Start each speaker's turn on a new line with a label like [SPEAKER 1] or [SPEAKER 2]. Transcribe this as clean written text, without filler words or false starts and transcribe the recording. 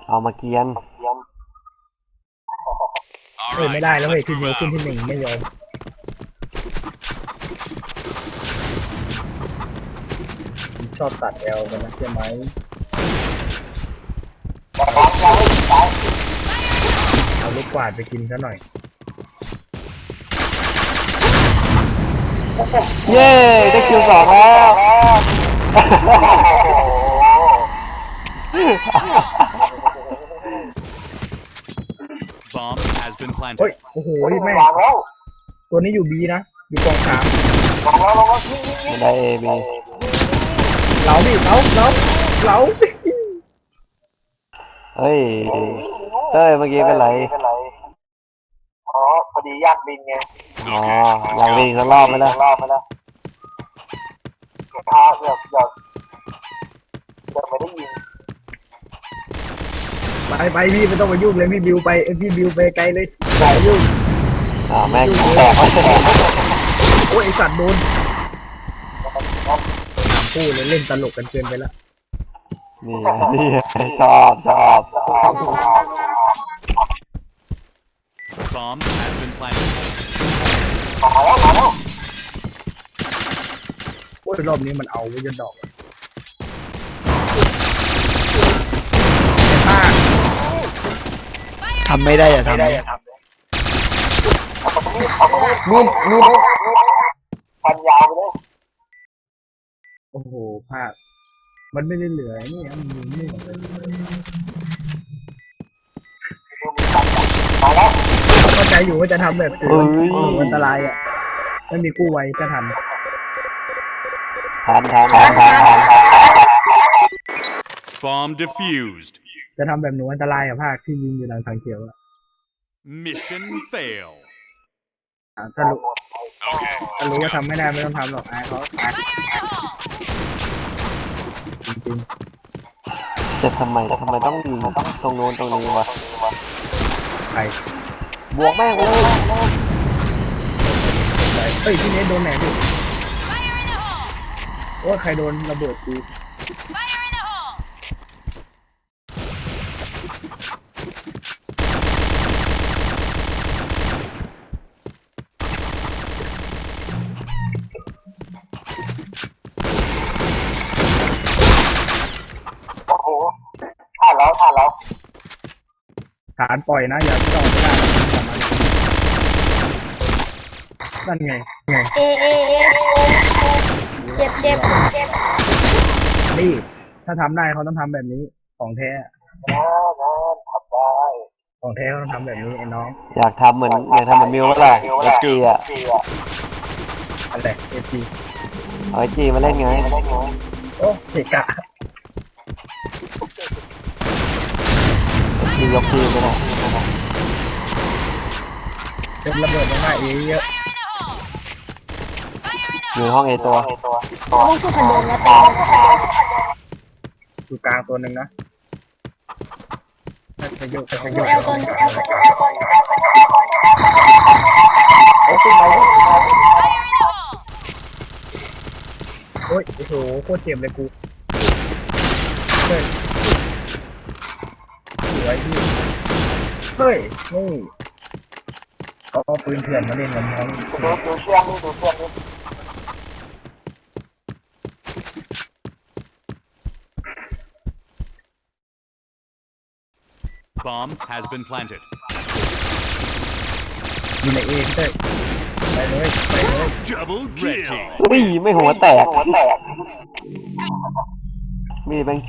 [SPEAKER 1] เอามาเกียน
[SPEAKER 2] เฮ้ยไม่ได้แล้วเฮ้ยทีเดียวขึ้นที่หนึ่งไม่ยอมชอบตัดแอลกันนะใช่ไหมเอาลูกกวาดไปกินซะหน่อย
[SPEAKER 1] เย้ได้คิว2แล้ว
[SPEAKER 3] Bomb has been
[SPEAKER 2] เฮ้ย
[SPEAKER 3] planted.
[SPEAKER 2] โอ้โหแม่งตัวนี้อยู่บีนะอยู่กองสาม
[SPEAKER 1] ไม่ได้เอบี
[SPEAKER 2] เหลาดิเหลา
[SPEAKER 1] เฮ้ยเต้ยเมื่อกี้เป็นไร
[SPEAKER 4] อ๋อพอดียากบินไง
[SPEAKER 1] อ๋ออยากวิ่งสักรอบไหมล่ะ
[SPEAKER 4] เกือบไม่ได้ยิน
[SPEAKER 2] ไปพี่ไม่ต้องมายุ่งเลยพี่บิวไปพี่บิวไปไกลเลยอย่ายุ่ง
[SPEAKER 1] แม่งแตก
[SPEAKER 2] โอ้ยไอสัตว์โดนพูดเลยเล่นตลกกันเกินไปละ
[SPEAKER 1] นี่ชอบ
[SPEAKER 3] Bomb has been planted.
[SPEAKER 2] โอ้ยรอบนี้มันเอาไว้จนดอกทำไม่ได้อย่าทำเลย
[SPEAKER 4] มีพันยาวไปเลย
[SPEAKER 2] โอ้โหพลาดมันไม่ได้เหลือนี่มันยิงไม่หมดเลยเข้าใจอยู่ว่าจะทำแบบตัวอันตรายอ่ะไม่มีกู้ไว้จะทัน
[SPEAKER 1] ทัน
[SPEAKER 3] Bomb defused.
[SPEAKER 2] จะทำแบบหนูอันตรายอ่ะภาคที่ยิงอยู่หลังทางเขียวอ่ะ
[SPEAKER 3] Mission fail.
[SPEAKER 2] ถ้ารู้ว่าทำไม่ได้ไม่ต้องทำหรอกอายเขาจริง
[SPEAKER 1] จะทำไมต้องยิงตรงโน้นตรงนี้วะ
[SPEAKER 2] ๆไป
[SPEAKER 1] บวกแม่งเลย
[SPEAKER 2] เฮ้ยที่นี้โดนไหนดิว่าใครโดนระเบิดกู
[SPEAKER 4] โอ้โหผ่านแล้ว
[SPEAKER 2] ฐานปล่อยนะอย่าต่อไม่ได้นั่นไง
[SPEAKER 5] เอเจ็บ
[SPEAKER 2] นี่ถ้าทำได้เขาต้องทำแบบนี้ของแท้
[SPEAKER 4] ทำได้
[SPEAKER 2] ของแท้เขาต้องทำแบบนี้ไอ้น้อง
[SPEAKER 1] อยากทำเหมือนมิวก็ล่ะไอจีอ่ะ
[SPEAKER 2] อะไรเอฟซี
[SPEAKER 1] เอาไอจีมาเล่นไง
[SPEAKER 2] โอ้เกะกะ
[SPEAKER 1] ทียกทีมไปหน่อย
[SPEAKER 2] เป็นระเบิดมาเอเยอะ
[SPEAKER 1] อยู่ห้องเอตัว
[SPEAKER 5] ต้องสู้ขันโดนแล้วแต่
[SPEAKER 2] อยู่กลางตัวหนึ่งนะไปโยก
[SPEAKER 5] ดูเอลตัวนี้
[SPEAKER 2] โอ้ยโอ้โหโคตรเจ็บเลยกูเฮ้ยสวยพี่เฮ้ยนี่เขาเอาปืนเถื่อนมาเล่นกับน้อง
[SPEAKER 4] ดูเชื่อมนี่
[SPEAKER 3] Bomb has been planted.
[SPEAKER 2] อยู่ในเองเต้ยไปเลย
[SPEAKER 3] Double kill.
[SPEAKER 1] อุ้ยไม่หัวแตกมีแบง